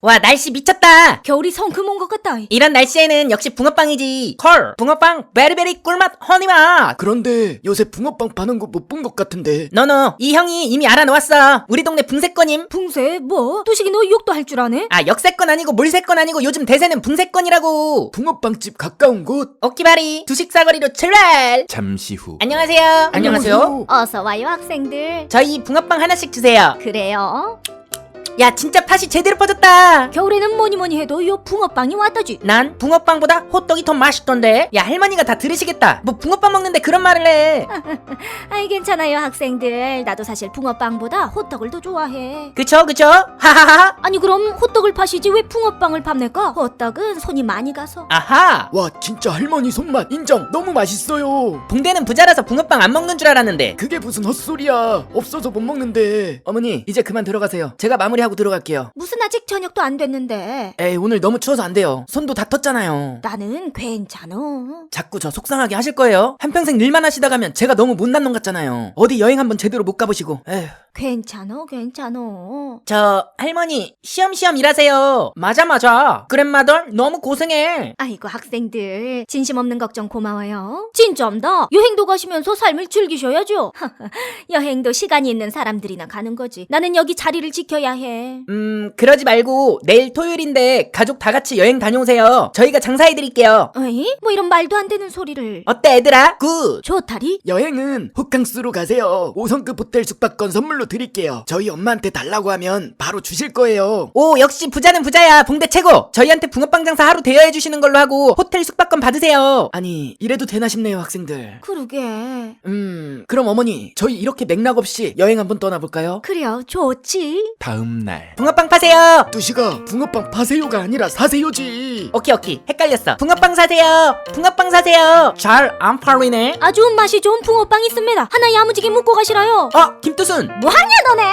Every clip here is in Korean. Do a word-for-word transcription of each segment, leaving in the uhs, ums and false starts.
와, 날씨 미쳤다. 겨울이 성큼 온 것 같다. 이런 날씨에는 역시 붕어빵이지. 콜 붕어빵 베리베리 꿀맛 허니맛. 그런데 요새 붕어빵 파는 거 못 본 것 같은데. 너너 이 형이 이미 알아놓았어. 우리 동네 붕세권임. 붕세 뭐? 뚜식이 너 욕도 할 줄 아네? 아, 역세권 아니고 물세권 아니고 요즘 대세는 붕세권이라고. 붕어빵집 가까운 곳. 오키바리 두식사거리로 출발. 잠시 후. 안녕하세요. 안녕하세요. 어서 와요 학생들. 저희 붕어빵 하나씩 주세요. 그래요? 야, 진짜 팥이 제대로 퍼졌다. 겨울에는 뭐니 뭐니 해도 요 붕어빵이 왔다지. 난 붕어빵보다 호떡이 더 맛있던데. 야, 할머니가 다 들으시겠다. 뭐 붕어빵 먹는데 그런 말을 해. 아이 괜찮아요 학생들. 나도 사실 붕어빵보다 호떡을 더 좋아해. 그쵸 그쵸? 하하하. 아니 그럼 호떡을 파시지 왜 붕어빵을 팝낼까? 호떡은 손이 많이 가서. 아하. 와 진짜 할머니 손맛 인정. 너무 맛있어요. 붕대는 부자라서 붕어빵 안 먹는 줄 알았는데. 그게 무슨 헛소리야. 없어서 못 먹는데. 어머니 이제 그만 들어가세요. 제가 마무리하고 들어갈게요. 무슨 아직 저녁도 안 됐는데. 에이 오늘 너무 추워서 안 돼요. 손도 다 텄잖아요. 나는 괜찮어. 자꾸 저 속상하게 하실 거예요? 한평생 일만 하시다 가면 제가 너무 못난 놈 같잖아요. 어디 여행 한번 제대로 못 가보시고. 에휴. 괜찮어 괜찮어. 저 할머니 쉬엄쉬엄 일하세요. 맞아 맞아. 그랜마덜 너무 고생해. 아이고 학생들 진심 없는 걱정 고마워요. 진짜입니다. 여행도 가시면서 삶을 즐기셔야죠. 여행도 시간이 있는 사람들이나 가는 거지. 나는 여기 자리를 지켜야 해. 음 그러지 말고 내일 토요일인데 가족 다 같이 여행 다녀오세요. 저희가 장사해드릴게요. 어이? 뭐 이런 말도 안 되는 소리를. 어때 얘들아? 굿. 좋다리? 여행은 호캉스로 가세요. 오 성급 호텔 숙박권 선물로 드릴게요. 저희 엄마한테 달라고 하면 바로 주실 거예요. 오, 역시 부자는 부자야. 붕대 최고. 저희한테 붕어빵 장사 하루 대여해 주시는 걸로 하고 호텔 숙박권 받으세요. 아니 이래도 되나 싶네요 학생들. 그러게. 음 그럼 어머니 저희 이렇게 맥락 없이 여행 한번 떠나볼까요? 그래요 좋지. 다음 날. 붕어빵 파세요. 뚜시가 붕어빵 파세요가 아니라 사세요지. 오케이 오케이 헷갈렸어. 붕어빵 사세요. 붕어빵 사세요. 잘 안 팔리네. 아주 맛이 좋은 붕어빵 있습니다. 하나 야무지게 묶고 가시라요. 어, 김두순. 뭐하냐 너네?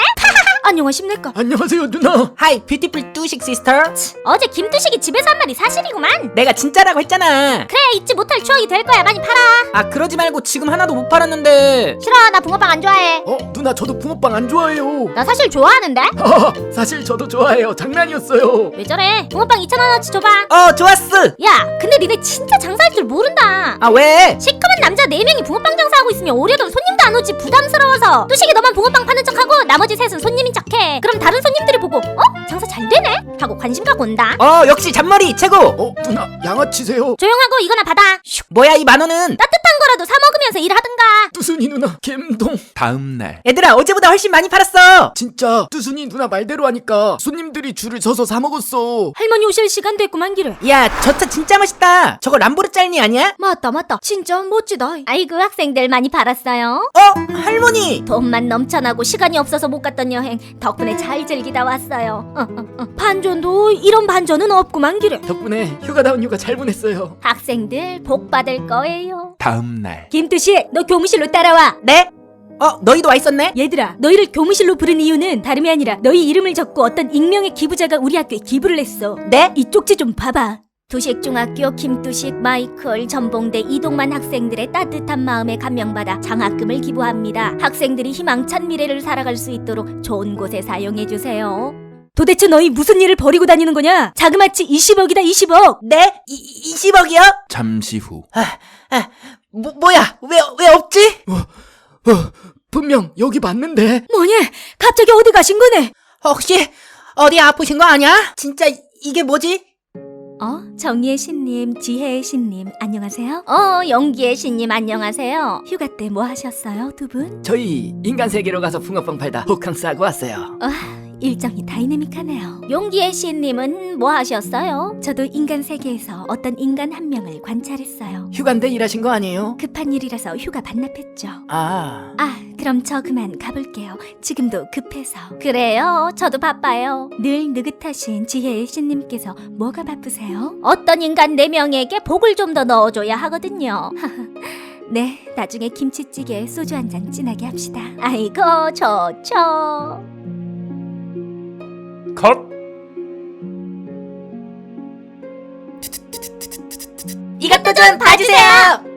안녕하십니까. 안녕하세요 누나. 하이 뷰티풀 뚜식 시스터. 어제 김두식이 집에서 한 말이 사실이구만. 내가 진짜라고 했잖아. 그래 잊지 못할 추억이 될 거야. 많이 팔아. 아, 그러지 말고 지금 하나도 못 팔았는데. 싫어 나 붕어빵 안 좋아해. 어 누나 저도 붕어빵 안 좋아해요. 나 사실 좋아하는데. 아, 사실 저도 좋아해요. 장난이었어요. 왜 저래? 붕어빵 이천 원어치 줘봐. 어, 좋았어. 야 근데 니네 진짜 장사할 줄 모른다. 아, 왜? 시커먼 남자 네 명이 붕어빵 장사하고 있으면 오려던 손님도 안 오지. 부담스러워서. 뚜식이 너만 붕어빵 파는 척하고 나머지 셋은 손님인 척해. 그럼 다른 손님들이 보고 어? 장사 잘 되네? 하고 관심 갖고 온다. 어, 역시 잔머리 최고. 어 누나 양아치세요. 조용하고 이거나 받아. 슉. 뭐야 이 만 원은? 따뜻한 거라도 사 먹으면서 일하든가. 뚜순이 누나 갬동. 다음 날. 얘들아, 어제보다 훨씬 많이 팔았어. 진짜 뚜순이 누나 말대로 하니까 손님들이 줄을 서서 사 먹었어. 할머니 오실 시간 됐구만 기래. 야, 저 차 진짜 멋있다. 저거 람보르짤니 아니야? 맞다 맞다. 진짜 멋지다. 아이고 학생들 많이 팔았어요. 어, 할머니. 돈만 넘쳐나고 시간이 없어서 못 갔던 여행 덕분에 잘 즐기다 왔어요. 어, 어, 어. 반전도 이런 반전은 없구만 기래. 덕분에 휴가다운 휴가 잘 보냈어요. 학생들 복 받을 거예요. 다음 날. 김두식 너 교무실로 따라와. 네? 어, 너희도 와 있었네? 얘들아 너희를 교무실로 부른 이유는 다름이 아니라 너희 이름을 적고 어떤 익명의 기부자가 우리 학교에 기부를 했어. 네? 이 쪽지 좀 봐봐. 두식중학교 김두식, 마이클, 전봉대, 이동만 학생들의 따뜻한 마음에 감명받아 장학금을 기부합니다. 학생들이 희망찬 미래를 살아갈 수 있도록 좋은 곳에 사용해주세요. 도대체 너희 무슨 일을 벌이고 다니는 거냐? 자그마치 이십억이다 이십억. 네? 이, 이십억이요? 잠시 후. 아, 아, 뭐, 뭐야? 왜, 왜 없지? 어, 분명 여기 맞는데. 뭐냐? 갑자기 어디 가신 거네? 혹시 어디 아프신 거 아니야? 진짜 이게 뭐지? 어? 정의의 신님, 지혜의 신님 안녕하세요. 어, 용기의 신님 안녕하세요. 휴가 때 뭐 하셨어요 두 분? 저희 인간 세계로 가서 붕어빵 팔다 호캉스 하고 왔어요. 아, 일정이 다이내믹하네요. 용기의 신님은 뭐 하셨어요? 저도 인간 세계에서 어떤 인간 한 명을 관찰했어요. 휴가인데 일하신 거 아니에요? 급한 일이라서 휴가 반납했죠. 아. 아, 그럼 저 그만 가볼게요. 지금도 급해서. 그래요, 저도 바빠요. 늘 느긋하신 지혜의 신님께서 뭐가 바쁘세요? 어떤 인간 네 명에게 복을 좀 더 넣어줘야 하거든요. 네, 나중에 김치찌개에 소주 한 잔 진하게 합시다. 아이고, 좋죠. 컷. 이것도 좀 봐주세요.